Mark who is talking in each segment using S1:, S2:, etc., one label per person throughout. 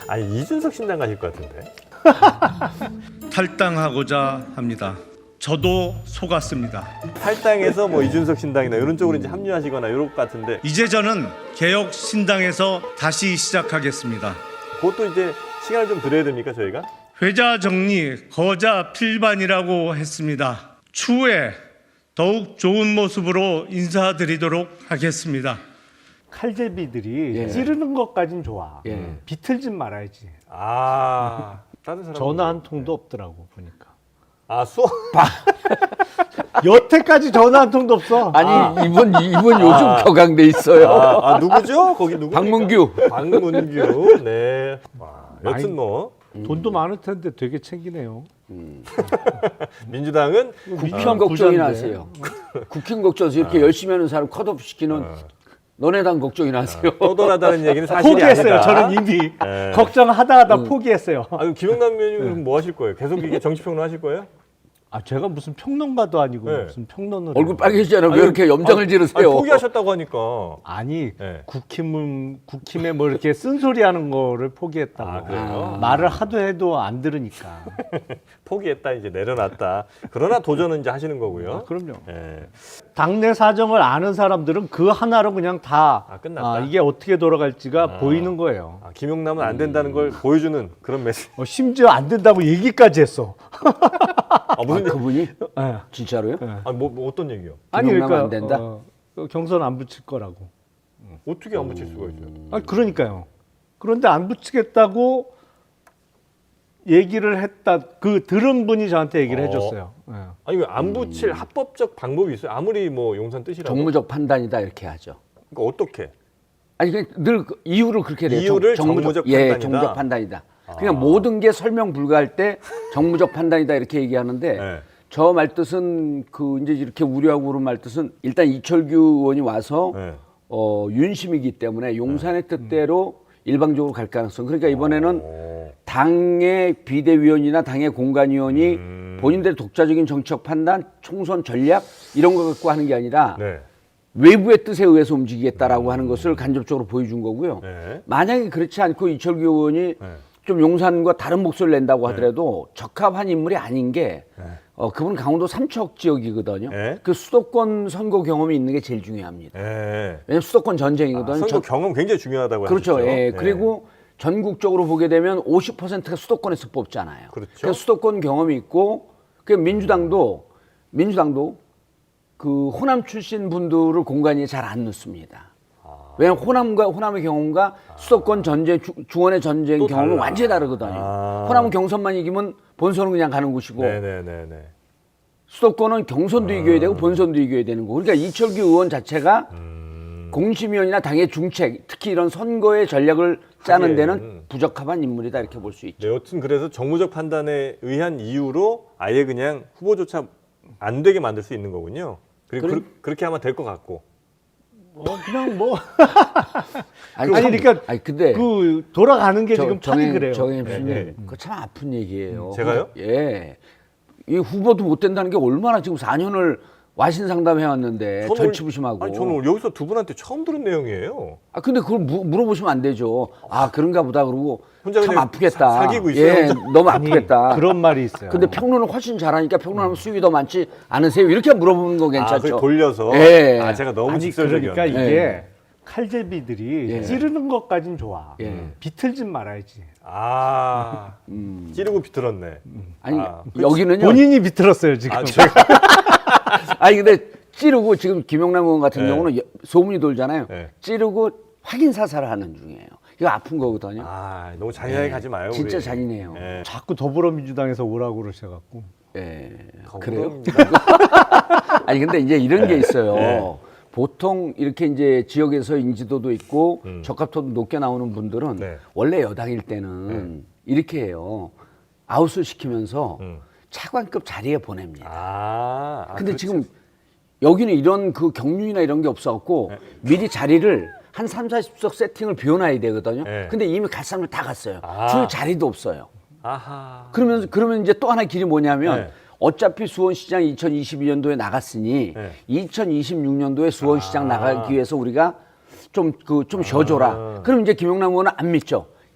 S1: 아니 이준석 신당 가실 것 같은데.
S2: 탈당하고자 합니다. 저도 속았습니다.
S1: 탈당해서 뭐 이준석 신당이나 이런 쪽으로 이제 합류하시거나 이럴 것 같은데.
S2: 이제 저는 개혁 신당에서 다시 시작하겠습니다.
S1: 그것도 이제 시간을 좀 드려야 됩니까 저희가?
S2: 회자 정리, 거자 필반이라고 했습니다. 추후에 더욱 좋은 모습으로 인사드리도록 하겠습니다.
S3: 칼제비들이
S4: 예.
S3: 찌르는 것까진 좋아.
S4: 예.
S3: 비틀진 말아야지.
S1: 아 다른 사람
S3: 전화 한 통도 없더라고 보니까.
S1: 아 수업
S3: 여태까지 전화 한 통도 없어.
S4: 아니 이분 요즘 격앙돼 있어요.
S1: 누구죠? 거기 누구?
S4: 박문규.
S1: 박문규. 네. 와, 여튼 뭐
S3: 돈도 많을 텐데 되게 챙기네요.
S1: 민주당은
S4: 국힘 걱정이나 하세요. 국힘 걱정해서 이렇게 열심히 하는 사람 컷오프 시키는 너네 당 걱정이나 하세요.
S1: 떠돌아다는 얘기는 사실이
S3: 포기했어요.
S1: 아니다.
S3: 저는 이미
S1: 네.
S3: 걱정하다 포기했어요.
S1: 아, 그럼 김영남 의원님은 뭐 하실 거예요? 계속 이게 정치평론 하실 거예요?
S3: 아 제가 무슨 평론가도 아니고
S1: 네.
S3: 무슨 평론을
S4: 얼굴
S3: 해요.
S4: 빨개지잖아요. 왜 이렇게 염장을 지르세요?
S1: 아니, 포기하셨다고 하니까.
S3: 아니
S1: 네.
S3: 국힘에 뭐 이렇게 쓴소리하는 거를 포기했다고.
S1: 아, 그래요?
S3: 말을 하도 해도 안 들으니까.
S1: 포기했다 이제 내려놨다. 그러나 도전은 이제 하시는 거고요.
S3: 그럼요.
S1: 예.
S3: 당내 사정을 아는 사람들은 그 하나로 그냥 다
S1: 끝났다.
S3: 이게 어떻게 돌아갈지가 보이는 거예요.
S1: 아, 김용남은 안 된다는 걸 보여주는 그런 메시지.
S3: 심지어 안 된다고 얘기까지 했어.
S1: 무슨
S4: 그분이
S3: 예.
S4: 진짜로요?
S1: 뭐 어떤 얘기요?
S3: 아니
S4: 김용남
S3: 그러니까
S4: 안 된다?
S3: 경선 안 붙일 거라고.
S1: 어떻게 안 붙일 수가 있어요?
S3: 아니 그러니까요. 그런데 안 붙이겠다고 얘기를 했다. 그 들은 분이 저한테 얘기를 해줬어요. 예.
S1: 아니 왜 안 붙일 합법적 방법이 있어요? 아무리 뭐 용산 뜻이라도.
S4: 정무적 판단이다 이렇게 하죠.
S1: 그러니까 어떻게?
S4: 아니 늘 이유를 그렇게 내요.
S1: 이유를 정무적 판단이다?
S4: 정무적 판단이다. 그냥 모든 게 설명 불가할 때 정무적 판단이다 이렇게 얘기하는데
S1: 네.
S4: 저 말뜻은 그 이제 이렇게 우려하고 그런 말뜻은 일단 이철규 의원이 와서
S1: 네.
S4: 윤심이기 때문에 용산의 뜻대로 일방적으로 갈 가능성. 그러니까 이번에는 당의 비대위원이나 당의 공관위원이 본인들의 독자적인 정치적 판단, 총선 전략 이런 거 갖고 하는 게 아니라
S1: 네.
S4: 외부의 뜻에 의해서 움직이겠다라고 하는 것을 간접적으로 보여준 거고요.
S1: 네.
S4: 만약에 그렇지 않고 이철규 의원이 좀 용산과 다른 목소리를 낸다고 하더라도 적합한 인물이 아닌 게 그분은 강원도 삼척 지역이거든요.
S1: 네.
S4: 그 수도권 선거 경험이 있는 게 제일 중요합니다.
S1: 예.
S4: 왜냐하면 수도권 전쟁이거든요.
S1: 선거 경험 굉장히 중요하다고
S4: 그렇죠.
S1: 하셨죠.
S4: 예. 그리고 전국적으로 보게 되면 50%가 수도권에서 뽑잖아요.
S1: 그렇죠.
S4: 그러니까 수도권 경험이 있고 그 민주당도 그 호남 출신 분들을 공간에 잘 안 넣습니다. 왜냐하면 호남의 경험과 수도권 전쟁, 중원의 전쟁
S1: 또
S4: 경험은
S1: 달라.
S4: 완전히 다르거든요. 호남은 경선만 이기면 본선은 그냥 가는 곳이고
S1: 네네네네.
S4: 수도권은 경선도 이겨야 되고 본선도 이겨야 되는 거고. 그러니까 이철규 의원 자체가 공심위원이나 당의 중책, 특히 이런 선거의 전략을 짜는 데는 부적합한 인물이다 이렇게 볼 수 있죠.
S1: 네, 여튼 그래서 정무적 판단에 의한 이유로 아예 그냥 후보조차 안 되게 만들 수 있는 거군요. 그리고 그렇게 하면 될 것 같고.
S3: 그냥 뭐
S4: 아니
S3: 그러니까
S4: 근데
S3: 그 돌아가는 게 지금 판이 그래요.
S4: 정혜님, 그거 참 아픈 얘기예요.
S1: 제가요?
S4: 예. 이 후보도 못 된다는 게 얼마나 지금 4년을 와신 상담해 왔는데 절치부심하고.
S1: 아니 저는 여기서 두 분한테 처음 들은 내용이에요.
S4: 근데 그걸 물어보시면 안 되죠. 그런가 보다 그러고
S1: 혼자
S4: 참
S1: 그냥
S4: 아프겠다.
S1: 사귀고 있어요,
S4: 예,
S1: 혼자?
S4: 너무 아프겠다.
S3: 그런 말이 있어요.
S4: 근데 평론을 훨씬 잘하니까 평론하면 수익이 더 많지 않으세요? 이렇게 물어보는 거 괜찮죠?
S1: 그걸 돌려서.
S4: 예.
S1: 제가 너무
S3: 아니
S1: 직설적이었네.
S3: 그러니까 이게
S4: 예.
S3: 칼제비들이
S4: 예.
S3: 찌르는 것까진 좋아.
S4: 예.
S3: 비틀진 말아야지.
S1: 찌르고 비틀었네.
S4: 아니
S1: 아,
S4: 여기는요.
S3: 본인이 비틀었어요 지금.
S4: 아니 근데 찌르고 지금 김영남 의원 같은
S1: 네.
S4: 경우는 소문이 돌잖아요.
S1: 네.
S4: 찌르고 확인 사살을 하는 중이에요. 이거 아픈 거거든요.
S1: 너무 잔인하게 가지 마요.
S4: 진짜
S1: 우리.
S4: 잔인해요.
S1: 예.
S3: 자꾸 더불어민주당에서 오라고 그러셔갖고.
S4: 예. 그래요?
S1: 더불어민주당.
S4: 아니 근데 이제 이런 게 있어요.
S1: 네.
S4: 보통 이렇게 이제 지역에서 인지도도 있고 적합도도 높게 나오는 분들은
S1: 네.
S4: 원래 여당일 때는 이렇게 해요. 아웃을 시키면서 차관급 자리에 보냅니다. 근데
S1: 그렇죠.
S4: 지금 여기는 이런 그 경륜이나 이런 게 없어갖고 미리 자리를 한 3, 40석 세팅을 비워놔야 되거든요.
S1: 네.
S4: 근데 이미 갈 사람들 다 갔어요. 줄 자리도 없어요.
S1: 아하.
S4: 그러면 이제 또 하나 길이 뭐냐면
S1: 네.
S4: 어차피 수원시장 2022년도에 나갔으니
S1: 네.
S4: 2026년도에 수원시장 나가기 위해서 우리가 좀 쉬어줘라. 그럼 이제 김영남 의원은 안 믿죠.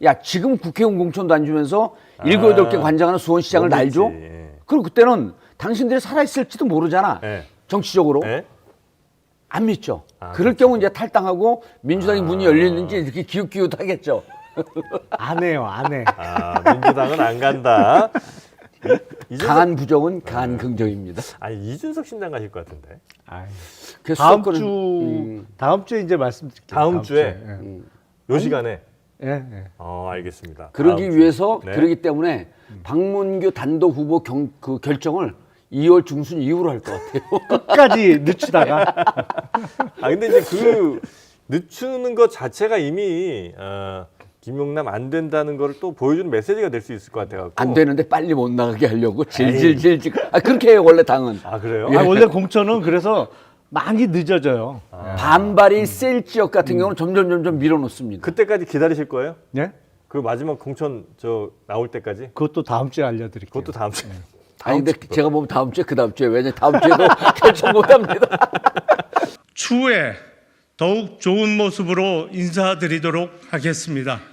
S4: 야 지금 국회의원 공천도 안 주면서 7, 8개 관장하는 수원시장을 날 줘?
S1: 너무했지. 예.
S4: 그럼 그때는 당신들이 살아있을지도 모르잖아.
S1: 예.
S4: 정치적으로.
S1: 예?
S4: 안 믿죠.
S1: 아,
S4: 그럴 경우 이제 탈당하고 민주당의 문이 열리는지 이렇게 기웃기웃하겠죠.
S3: 안 해요, 안 해.
S1: 아, 민주당은 안 간다.
S4: 강한 부정은 강한 긍정입니다.
S1: 아니 이준석 신당 가실 것 같은데.
S3: 아이,
S4: 그래서
S3: 다음
S4: 수도권은,
S3: 주 다음 주에 이제 말씀드릴게요.
S1: 다음 주에?
S3: 예.
S1: 요 시간에.
S3: 예, 예.
S1: 알겠습니다.
S4: 그러기
S1: 다음 주.
S4: 위해서
S1: 네.
S4: 그러기 때문에 박문규 단독 후보 그 결정을 2월 중순 이후로 할 것 같아요.
S3: 끝까지 늦추다가
S1: 근데 이제 그 늦추는 것 자체가 이미 김용남 안 된다는 걸 또 보여주는 메시지가 될 수 있을 것 같아요.
S4: 안 되는데 빨리 못 나가게 하려고 질질질질. 그렇게 해요 원래 당은.
S1: 아 그래요?
S3: 아, 원래 공천은 그래서 많이 늦어져요.
S4: 반발이 셀 지역 같은 경우는 점점 밀어놓습니다.
S1: 그때까지 기다리실 거예요?
S3: 예?
S1: 그 마지막 공천 나올 때까지?
S3: 그것도 다음 주에 알려드릴게요.
S1: 그것도 다음 주에.
S4: 아니 근데 제가 보면 다음 주에 그 다음 주에 왜냐 다음 주에도 결정 못합니다.
S2: 추후에 더욱 좋은 모습으로 인사드리도록 하겠습니다.